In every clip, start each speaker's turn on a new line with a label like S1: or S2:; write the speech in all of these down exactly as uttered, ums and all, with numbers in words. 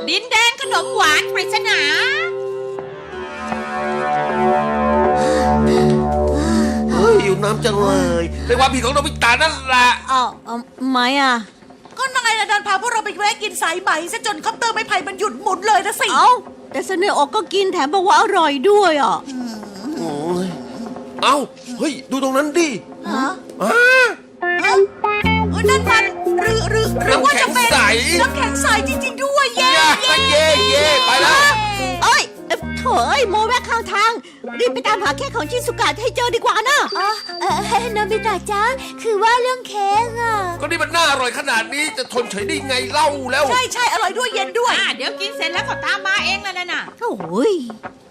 S1: ดินแดนขนมหวานปริศนา
S2: เฮ้ยอยู่น้ำจังเลยเป็นความผิดของโนบิตะนั่นแหละ
S3: อ้าวเอาไม่อ่ะ
S4: ก็นายนะดันพาพวกเราไปแวะกินสายไหมซะจนคอปเตอร์ไม้ไผ่มันหยุดหมุนเลยนะสิ
S3: เอ้าแต่เสนอออกก็กินแถมบอกว่าอร่อยด้วยอ่ะ
S2: โอ้ยเอ้าเฮ้ยดูตรงนั้นดิ
S4: ฮะ
S2: อ้า
S4: เอ้าเอ้ยนั่นมันหรือหรือหรือว่าจะเป็น
S2: น้ำแข็งใส
S4: น้ำแข็งใสจริงๆด้วยเย้
S2: เย่เย่เย่ไปแล้ว
S3: เอ้ยเอ้ยโถเอ้ยโมแวะข้างทางรีบไปตามหาเค้กของชิสุกะให้เจอดีกว่านะ
S5: อ๋อเออโนบิตะจ้าคือว่าเรื่องเค้กอ่ะ
S2: ก็นี่มันน่าอร่อยขนาดนี้จะทนเฉยได้ไงเล่าแล้ว
S4: ใช่ใช่อร่อยด้วยเย็นด้วย
S1: อ่าเดี๋ยวกินเสร็จแล้วก็ตามมาเองแล้วน่ะ
S3: โอ้ย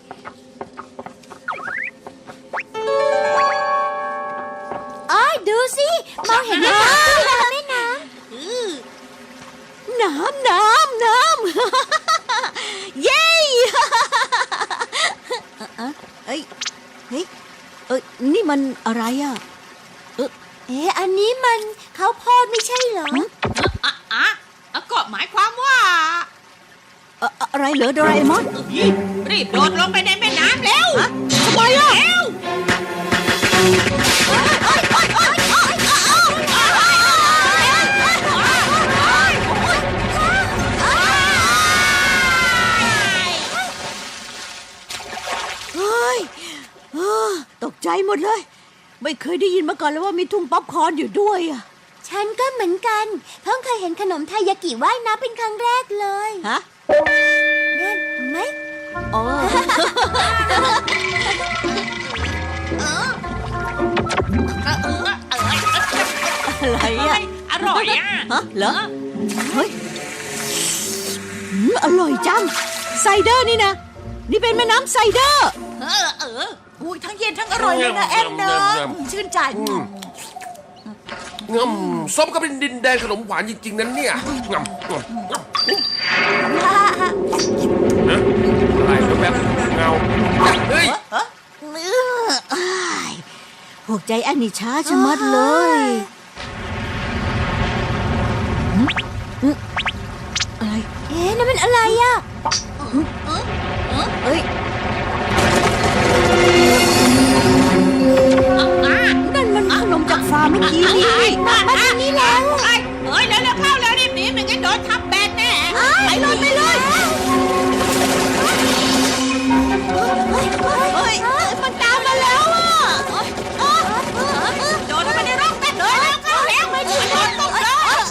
S5: อ๋อดูสิมองเห็นไหมคะตู้น้ำแม่น้
S3: น้ำน้ำน้ำ เย้เอ้ยเอ้ยเฮ้ยเอ้ยนี่มันอะไรอ่ะ
S5: ำเอ๊ะอันนี้มันข้าวโพดไม่ใช่เหรอ
S1: อ่ะอ่ะอ่ะก็หมายความว่า
S3: เอ่ออะไรเหรอโดราเอมอน
S1: รีบโดดลงไปในแม่น้ำแล้ว
S3: ฮะทำไมอ่ะ
S1: เร็ว
S3: เฮ้ยเออตกใจหมดเลย ไม่เคยได้ยินมาก่อนเลยว่ามีทุ่งป๊อปคอร์นอยู่ด้วยอ่ะ
S5: ฉันก็เหมือนกันเพิ่งเคยเห็นขนมไทยากิว่ายน้ำเป็นครั้งแรกเลย
S3: ฮะ
S5: นั่นเห็นไหม
S3: อ๋อ
S1: เออเออเออเออ
S3: อะไรอ่ะ
S1: อร่อยอ่ะ
S3: ฮะเหรอ เฮ้ยอืมอร่อยจัง ไซเดอร์นี่นะ นี่เป็นแม่น้ำไซเดอร์
S1: เออเออ
S4: อุ้ยทั้งเย็นทั้งอร่อยเลยนะแอนเนอะชื่นใจ
S2: งำส้มก็เป็นดินแดนขนมหวานจริงๆนั้นเนี่ยงำงำงำนะอะไรแบบเงาเฮ้ย
S3: อ้ายพวกใจแอนนี่ช้าชะมัดเลยหึหึอะไร
S5: เอ๊ะนั่นมันอะไรอ่ะ
S3: เอ้ย
S1: อ่ะ
S3: นั่นมันขนมจากฟาร์มเมื่อกี้นี่
S1: มาทางนี้แล้วไอ้เฮ้ยเร็วเร็วเข้าแล้วรีบหนีไม่งั้นโดนทับแบนแน่
S3: ไปเลยไปเลยเฮ้ยมันตามมาแล้วอ่ะ
S1: โดนเข้าไปในร่องแป๊บเลยแล้วเข้าแล้วไม่ถึงโดนตกเลย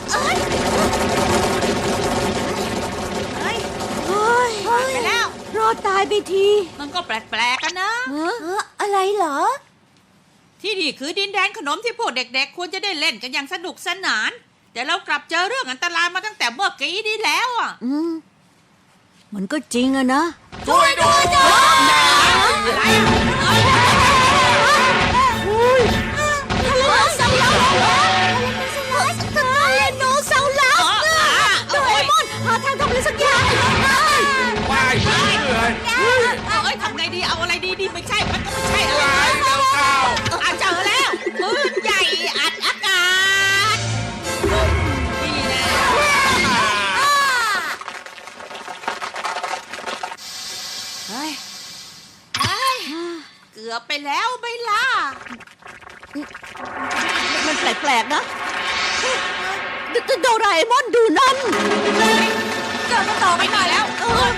S3: เฮ้ย
S1: ไปแล้ว
S3: รอดตายไปที
S1: มันก็แปลกๆกันนะ
S5: เอออะไรเหรอ
S1: ที่นี่คือดินแดนขนมที่พวกเด็กๆควรจะได้เล่นกันอย่างสนุกสนาน แต่เรากลับเจอเรื่องอันตรายมาตั้งแต่เมื่อกี้นี้แล้วอ่ะ
S3: อืมมันก็จริงอะนะ
S2: ช่วยด้วย
S1: อะไรอ่ะ
S3: ทะเลเสาลับทะเลโนเสาลับโดเรมอนหาทางทำอะไรสักอย่าง
S2: ไปเลย
S1: เอ้ยทำไงดีเอาอะไรดีดีไม่ใช่มันก็ไม่ใช่อะไร
S2: ไปแล้วเข้า
S1: อ่ะเจอแล้วปืนใหญ่อัดอากาศนี่แน่เฮ้ยเฮ้ยเกือบไปแล้วไม่ล่ะ
S3: มันแปลกๆนะโดโดราเอมอนดูนั่น
S4: เดินมาต่อ
S1: ไม่
S4: ไม่
S1: มีแล้ว
S3: เออ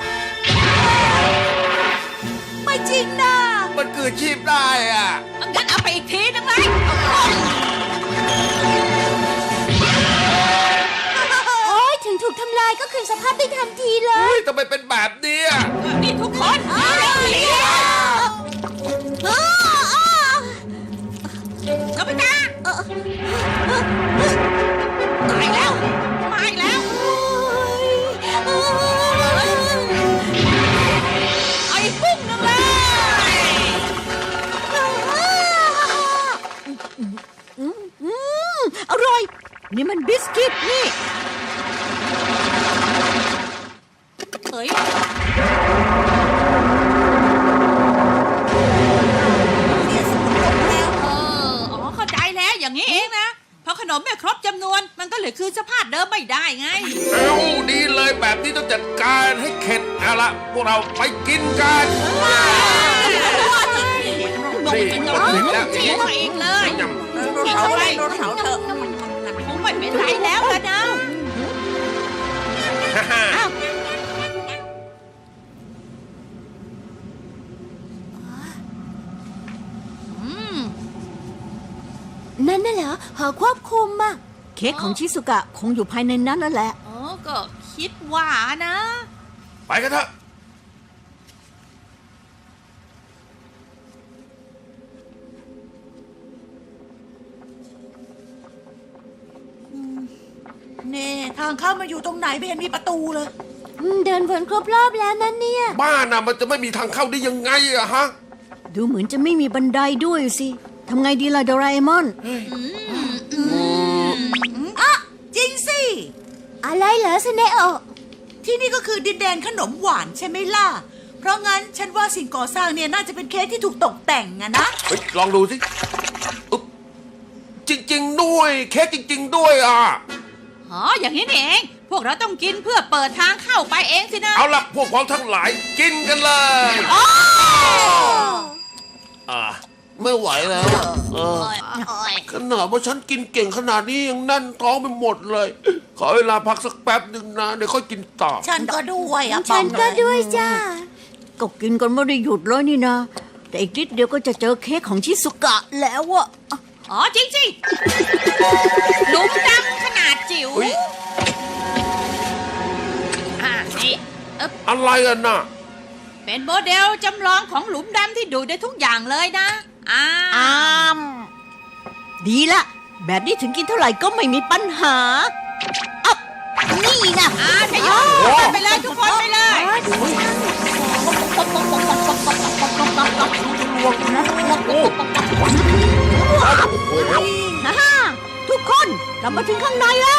S4: ไม่จริงนะ
S2: มันเกิดชีพได้อ่ะ
S1: งั้นเอาไปอีกทีนึงไหม
S5: โอ๊ยถึงถูกทำลายก็คืนสภาพได้ทันทีเล
S2: เฮ้
S5: ย
S2: ยทำไมเป็นแบบนี้อ่ะ
S1: นี่ทุกคนเร็วหนีก็ไปจ้ามาอีกแล้วมาอีกแล้วไอ้ปุ้งนึงเลย
S3: อืมอร่อย นี่มันบิสกิตนี่
S1: เฮ้ย เออ อ๋อ เข้าใจแล้ว อย่างนี้เองนะ เพราะขนมนมไม่ครบจำนวน มันก็เลยคืนสภาพเดิมไม่ได้ไง
S2: เอาดีเลยแบบนี้ต้องจัดการให้เข็ดเอาละพวกเราไปกินกัน นี่
S1: กิน
S2: ก็ถึงแล้ว
S1: เชียร์อีกเลย
S2: ย
S4: โดนเผาไปโดนเผาเถอะ
S1: คงไม่เป็นไรแล้วละนะ
S2: ำฮ่าฮ่า
S5: นั่นน่ะเหรอหอควบคุมอะ
S3: เค้กของชิสุกะคงอยู่ภายในนั้นนั่นแหละ
S1: เออก็คิดว่านะ
S2: ไปกันเถอะ
S4: เน่ทางเข้ามาอยู่ตรงไหนไม่เห็นมีประตูเลย
S5: อืมเดินวนครบรอบแล้วนั่นเนี่ย
S2: บ้านน่ะมันจะไม่มีทางเข้าได้ยังไงอะฮะ
S3: ดูเหมือนจะไม่มีบันไดด้วยสิทำไงดีล่ะโดราเอมอน
S4: อ่ะ จริงสิ
S5: อะไรเหรอสเนโอะ
S4: ที่นี่ก็คือดินแดนขนมหวานใช่ไหมล่ะ เพราะงั้นฉันว่าสิ่งก่อสร้างเนี่ยน่าจะเป็นเค้กที่ถูกตกแต่งอะนะ
S2: เฮ้ยลองดูสิอุ๊บจริง ๆ ด้วย เค้กจริง ๆ ด้วยอ่ะ
S1: อ๋อ อย่างนี้นี่เอง พวกเราต้องกินเพื่อเปิดทางเข้าไปเองสินะ
S2: เอาละพวกเราทั้งหลายกินกันเลย อ่าไม่ไหวแล้วอะเออขนาดว่าฉันกินเก่งขนาดนี้ยังแน่นท้องไปหมดเลย ขอเวลาพักสักแป๊บหนึ่งนะ เดี๋ยวค่อยกินต่อ
S4: ฉันก็ด้วยอะ
S5: ฉันก็ด้วยจ้า
S3: ก็กินกันไม่ได้หยุดเลยนี่นะ แต่อีกนิดเดียวก็จะเจอเค้กของชิสุกะแล้วอะ
S1: อ๋อ จริงสิหลุมดำขนาดจิ๋ว
S2: อุ๊ย
S1: อ่านี่เออ
S2: อะไรอ่ะน่ะ
S1: เป็นโมเดลจำลองของหลุมดำที่ดูได้ทุกอย่างเลยนะอ่า
S3: อามดีละแบบนี้ถึงกินเท่าไหร่ก็ไม่มีปัญหาอับนี่นะ
S1: อ่าทยอยไปเลยทุกคนไปเลย
S3: ฮ่าฮ่าทุกคนกลับมาถึงข้างในแล้ว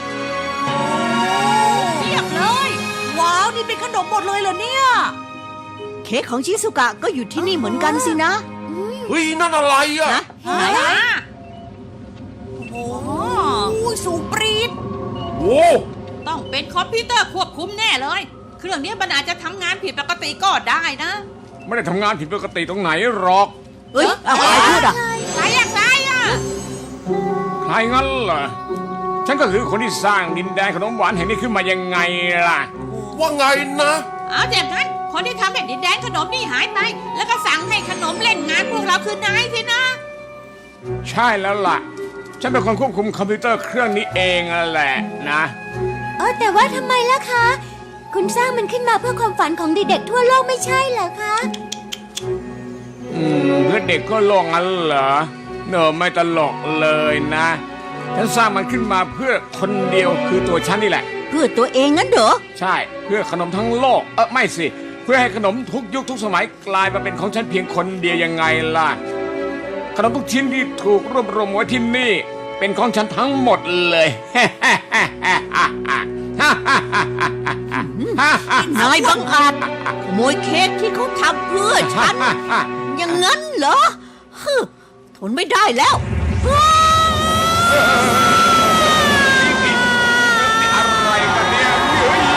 S1: เรียบเลย
S4: ว้าว นี่เป็นขนมหมดเลยเหรอเนี่ย
S3: เค้กของชิสุกะก็อยู่ที่นี่เหมือนกันสินะ
S2: เฮ้ย นั่นอะไรอ่ะ
S3: นะไหน
S1: อ่า
S4: โอ้โหสูงปรี๊ด
S2: โอ้
S1: ต้องเป็นคอมพิวเตอร์ควบคุมแน่เลย เครื่องนี้มันอาจจะทำงานผิดปกติก็ได้นะ
S6: ไม่ได้ทำงานผิดปกติตรงไหนหรอก
S3: เอ้ยเอาใครพูดอ่ะ
S1: ใครอยากได้อ่ะ
S6: ใครงั้นเหรอ ฉันก็คือคนที่สร้างดินแดนขนมหวานแห่งนี้ขึ้นมายังไงล่ะ
S2: ว่าไงนะ
S1: เอาอย่างนั้นคนที่ทำแผ่นดินแดนขนมนี่หายไป แล้วก็สั่งให้ขนมเล่นงานพวกเราคือนายสินะ
S6: ใช่แล้วล่ะ ฉันเป็นคนควบคุมคอมพิวเตอร์เครื่องนี้เองนั่นแหละนะ
S5: เออแต่ว่าทำไมล่ะคะ คุณสร้างมันขึ้นมาเพื่อความฝันของเด็กๆทั่วโลกไม่ใช่เหรอคะ
S6: อืมเพื่อเด็กก็โลกงั้นเหรอเนอะไม่ตลกเลยนะ ฉันสร้างมันขึ้นมาเพื่อคนเดียวคือตัวฉันนี่แหละ
S3: เพื่อตัวเองงั้นเหรอ
S6: ใช่เพื่อขนมทั้งโลกเออไม่สิ เพื่อให้ขนมทุกยุคทุกสมัยกลายมาเป็นของฉันเพียงคนเดียวยังไงล่ะ ขนมทุกชิ้นที่ถูกรวบรวมไว้ที่นี่ เป็นของฉันทั้งหมดเลย
S3: นายบังอาจขโมยเค้กที่เขาทำเพื่อฉัน อย่างนั้นเหรอฮึทนไม่ได้แล้ว
S6: อะไรกันเนี่ยเฮ้ย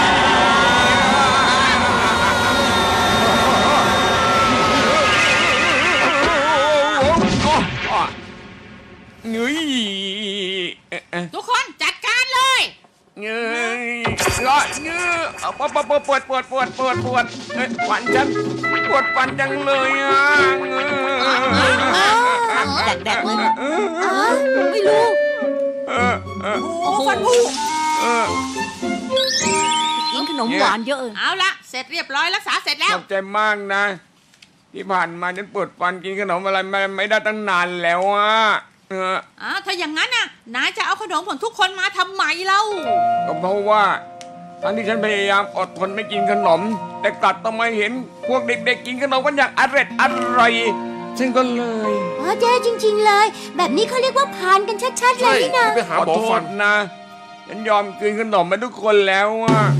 S6: เงยเอ๊ะ
S1: ทุกคนจัดการเลย
S6: เงยร้อนเงยปวดปวดปวดปวดปวดปวดปวดเอ้ยฟันฉันปวดฟันจังเลยอ่ะเงย
S3: แดกๆเลยไม่รู้
S6: เออเออ
S4: โอ้ฟันผุ
S6: เออ
S3: กินขนมหวานเยอะเออ
S1: เอาละเสร็จเรียบร้อยรักษาเสร็จแล้
S6: ข
S1: ว
S6: อบใจมากนะ ที่ผ่านมาฉันปวดฟันกินขนมอะไรไม่ไม่ได้ตั้งนานแล้วอ่ะเออ
S1: อ่าถ้าอย่างนั้นน่ะนายจะเอาขนมของทุกคนมาทำไมเล่า
S6: ก็เพราะว่าตอนที่ฉันพยายามอดทนไม่กินขนม แต่กลับต้องมาเห็นพวกเด็กๆกินขนมกันอย่างอร่อยอร่อยฉันก็เลย
S5: อ๋อแย่จริง ๆเลย แบบนี้เขาเรียกว่าพานกันชัดๆเล
S2: ใช่
S5: ยนี่นะ
S2: ไปหา
S6: ขอ
S2: หมอ
S6: โท
S2: ฟั
S6: ษ
S2: น
S6: นะ ฉันยอมกินขนมมาทุกคนแล้วอ่ะ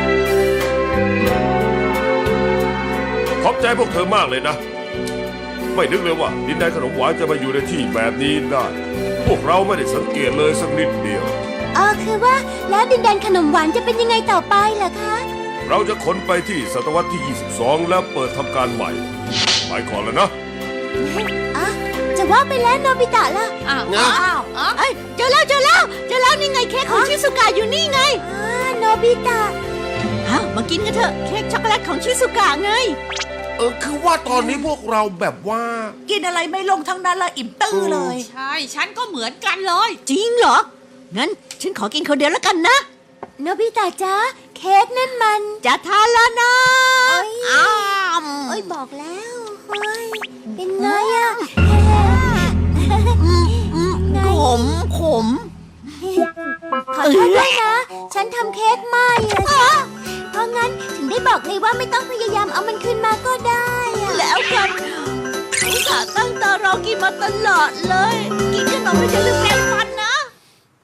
S2: ขอบใจพวกเธอมากเลยนะไม่นึกเลยว่าดินแดนขนมหวานจะมาอยู่ในที่แบบนี้ได้ พวกเราไม่ได้สังเกตเลยสักนิดเดียว
S5: เออคือว่าแล้วดินแดนขนมหวานจะเป็นยังไงต่อไปล่ะคะ
S2: เราจะขนไปที่ศตวรรษที่ ยี่สิบสอง แล้วเปิดทำการใหม่ไปก่อนแล้วนะ
S5: อ่ะจะว่าไปแล้วโนบิตะล่ะ
S1: อ้าว
S2: นะ
S1: อ้าวอ้าว
S3: เอ้ยเจอแล้วเจอแล้วเจอแล้วนี่ไงเค้กของชิสุกะอยู่นี่ไง
S5: อ่าโนบิตะ
S3: ฮะมากินกันเถอะเค้กช็อกโกแลตของชิสุกะไง
S2: เออคือว่าตอนนี้พวกเราแบบว่า
S4: กินอะไรไม่ลงทั้งนั้นละอิ่มตื้อเลย
S1: ใช่ ฉันก็เหมือนกันเลย
S3: จริงเหรอ งั้นฉันขอกินคนเดียวแล้วกันนะ
S5: โนบิตะจ๊ะเค้กนั่นมัน
S3: จะทานแล้วนะ
S5: เอ้ย
S3: อ้าว
S5: เอ้ยบอกแล้วเฮ้ยเป็นไงอะ
S3: อืมอืมขมขม
S5: ขอโทษด้วยนะ ฉันทำเค้กไหม้อะจ้ะเพราะงั้นถึงได้บอกเลยว่าไม่ต้องพยายามเอามันคืนมาก็ได้อะ
S3: แล้วกันอุตส่าห์ตั้งตารอกินมาตลอดเลย กินขนมไม่จะลืมแล้ว